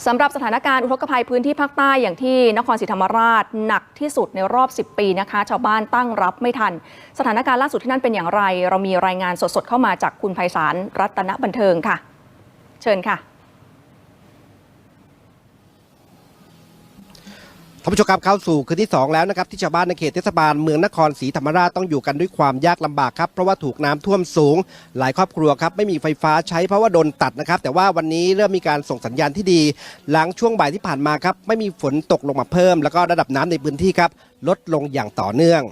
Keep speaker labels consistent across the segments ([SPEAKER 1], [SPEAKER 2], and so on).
[SPEAKER 1] สำหรับสถานการณ์อุทกภัยพื้นที่ภาคใต้อย่างที่นครศรีธรรมราชหนักที่สุดในรอบ 10 ปีนะคะชาวบ้านตั้งรับไม่ทันสถานการณ์ล่าสุดที่นั่นเป็นอย่างไรเรามีรายงานสดๆเข้ามาจากคุณไพศาลรัตนบันเทิงค่ะเชิญค่ะ
[SPEAKER 2] ท่านผู้ชมครับเข้าสู่คืนที่2แล้วนะครับที่ชาวบ้านในเขตเทศบาลเมืองนครศรีธรรมราชต้องอยู่กันด้วยความยากลำบากครับเพราะว่าถูกน้ำท่วมสูงหลายครอบครัวครับไม่มีไฟฟ้าใช้เพราะว่าโดนตัดนะครับแต่ว่าวันนี้เริ่มมีการส่งสัญญาณที่ดีหลังช่วงบ่ายที่ผ่านมาครับไม่มีฝนตกลงมาเพิ่มแล้วก็ระดับน้ำในพื้นที่ครับลดลงอย่างต่อเนื่อง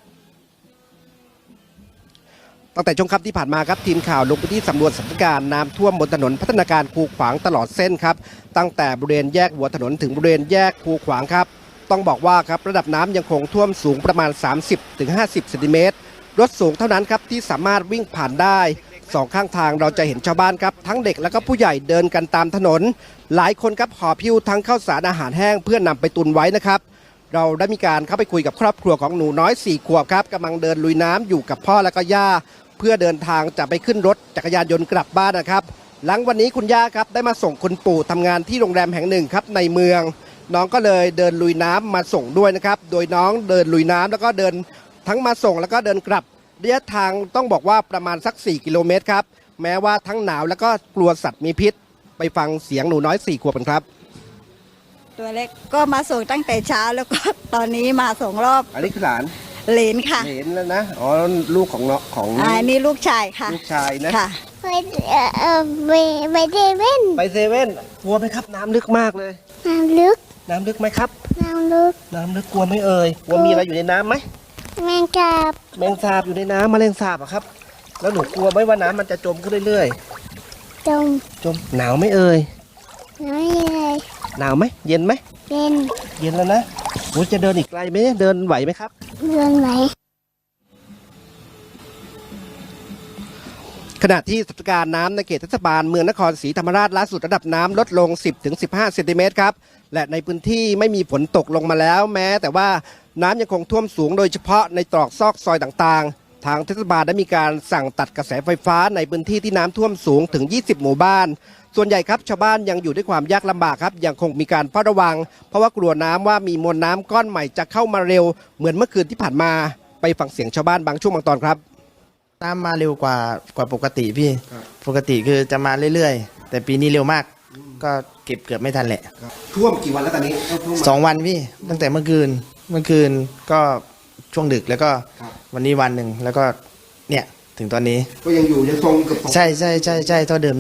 [SPEAKER 2] ตั้งแต่ช่วงค่ำที่ผ่านมาครับทีมข่าวลงพื้นที่สำรวจสถานการณ์น้ำท่วมบนถนนพัฒนาการคูขวางตลอดเส้นครับตั้งแต่บริเวณแยกหัวถนนถึงบริเวณแยกคูขวางครับต้องบอกว่าครับระดับน้ำยังคงท่วมสูงประมาณ 30-50 เซนติเมตรรถสูงเท่านั้นครับที่สามารถวิ่งผ่านได้สองข้างทางเราจะเห็นชาวบ้านครับทั้งเด็กและก็ผู้ใหญ่เดินกันตามถนนหลายคนครับหอบหิ้วทั้งข้าวสารอาหารแห้งเพื่อนำไปตุนไว้นะครับเราได้มีการเข้าไปคุยกับครอบครัวของหนูน้อย4 ขวบครับกำลังเดินลุยน้ำอยู่กับพ่อและก็ย่าเพื่อเดินทางจะไปขึ้นรถจักรยานยนต์กลับบ้านนะครับหลังวันนี้คุณย่าครับได้มาส่งคุณปู่ทำงานที่โรงแรมแห่งหนึ่งครับในเมืองน้องก็เลยเดินลุยน้ำมาส่งด้วยนะครับโดยน้องเดินลุยน้ำแล้วก็เดินทั้งมาส่งแล้วก็เดินกลับระยะทางต้องบอกว่าประมาณสัก4 กิโลเมตรครับแม้ว่าทั้งหนาวแล้วก็กลัวสัตว์มีพิษไปฟังเสียงหนูน้อย4 ขวบกันครับ
[SPEAKER 3] ตัวเล็กก็มาส่งตั้งแต่เช้าแล้วก็ตอนนี้มาส่งรอบ
[SPEAKER 2] อันนี้คือหลาน
[SPEAKER 3] เหลนค่ะ
[SPEAKER 2] เหลนแล้วนะอ๋อลูกของเนาะของ
[SPEAKER 3] นี่ลูกชายค่ะ
[SPEAKER 2] ลูกชายนะ
[SPEAKER 3] ค่ะ
[SPEAKER 4] ไปเซเว่น
[SPEAKER 2] ไปเซเว่นกลัวไหมครับน้ำลึกมากเลย
[SPEAKER 4] น้ำลึก
[SPEAKER 2] ไหมครับ
[SPEAKER 4] น้ำลึก
[SPEAKER 2] กลัวไหมเอ่ยกลัวมีอะไรอยู่ในน้ำไหม
[SPEAKER 4] แมงสาบ
[SPEAKER 2] อยู่ในน้ำแมลงสาบอะครับแล้วหนูกลัวไหมว่าน้ำมันจะจมขึ้นเรื่อย
[SPEAKER 4] ๆจม
[SPEAKER 2] หนาวไหมเอ่ย
[SPEAKER 4] หนาว
[SPEAKER 2] ไหมเย็นไหม
[SPEAKER 4] เ
[SPEAKER 2] ย็นแล้วนะโอ้จะเดินอีกไกลไหมเดินไหวไหมครับ
[SPEAKER 4] เดินไหว
[SPEAKER 2] ขณะที่สถานการณ์น้ำในเขตเทศบาลเมืองนครศรีธรรมราชล่าสุดระดับน้ำลดลง 10-15 เซนติเมตรครับและในพื้นที่ไม่มีฝนตกลงมาแล้วแม้แต่ว่าน้ำยังคงท่วมสูงโดยเฉพาะในตรอกซอกซอยต่างๆทางเทศบาลได้มีการสั่งตัดกระแสไฟฟ้าในพื้นที่ที่น้ำท่วมสูงถึง20 หมู่บ้านส่วนใหญ่ครับชาวบ้านยังอยู่ด้วยความยากลำบากครับยังคงมีการเฝ้าระวังเพราะว่ากลัวน้ำว่ามีมวลน้ำก้อนใหม่จะเข้ามาเร็วเหมือนเมื่อคืนที่ผ่านมาไปฟังเสียงชาวบ้านบางช่วงบางตอนครับ
[SPEAKER 5] น้ำมาเร็วกว่าปกติพี่ปกติคือจะมาเรื่อยๆแต่ปีนี้เร็วมากก็เก็บเกือบไม่ทันแหละ
[SPEAKER 2] ท่วมกี่วันแล้วตอนนี้
[SPEAKER 5] 2 วันพี่ตั้งแต่เมื่อคืนก็ช่วงดึกแล้วก็วันนี้วันหนึ่งแล้วก็เนี่ยถึงตอนนี้
[SPEAKER 2] ก็ยังอยู่ยังทรงกับ
[SPEAKER 5] ใช่เท่าเดิม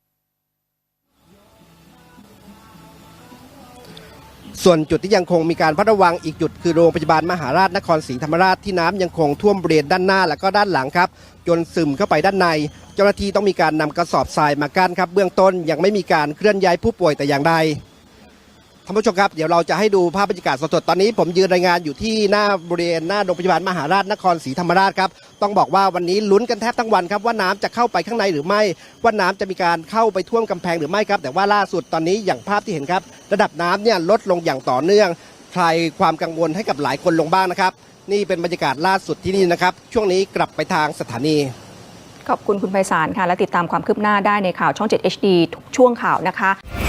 [SPEAKER 2] ส่วนจุดที่ยังคงมีการเฝ้าระวังอีกจุดคือโรงพยาบาลมหาราชนครศรีธรรมราชที่น้ำยังคงท่วมบริเวณด้านหน้าและก็ด้านหลังครับจนซึมเข้าไปด้านในเจ้าหน้าที่ต้องมีการนำกระสอบทรายมากั้นครับเบื้องต้นยังไม่มีการเคลื่อนย้ายผู้ป่วยแต่อย่างใดท่านผู้ชมครับเดี๋ยวเราจะให้ดูภาพบรรยากาศสดๆตอนนี้ผมยืนรายงานอยู่ที่หน้าบริเวณหน้าโรงพยาบาลมหาราชนครศรีธรรมราชครับต้องบอกว่าวันนี้ลุ้นกันแทบทั้งวันครับว่าน้ำจะเข้าไปข้างในหรือไม่ว่าน้ำจะมีการเข้าไปท่วมกำแพงหรือไม่ครับแต่ว่าล่าสุดตอนนี้อย่างภาพที่เห็นครับระดับน้ำเนี่ยลดลงอย่างต่อเนื่องคลายความกังวลให้กับหลายคนลงบ้างนะครับนี่เป็นบรรยากาศล่าสุดที่นี่นะครับช่วงนี้กลับไปทางสถานี
[SPEAKER 1] ขอบคุณคุณไพศาลค่ะและติดตามความคืบหน้าได้ในข่าวช่อง 7 HD ทุกช่วงข่าวนะคะ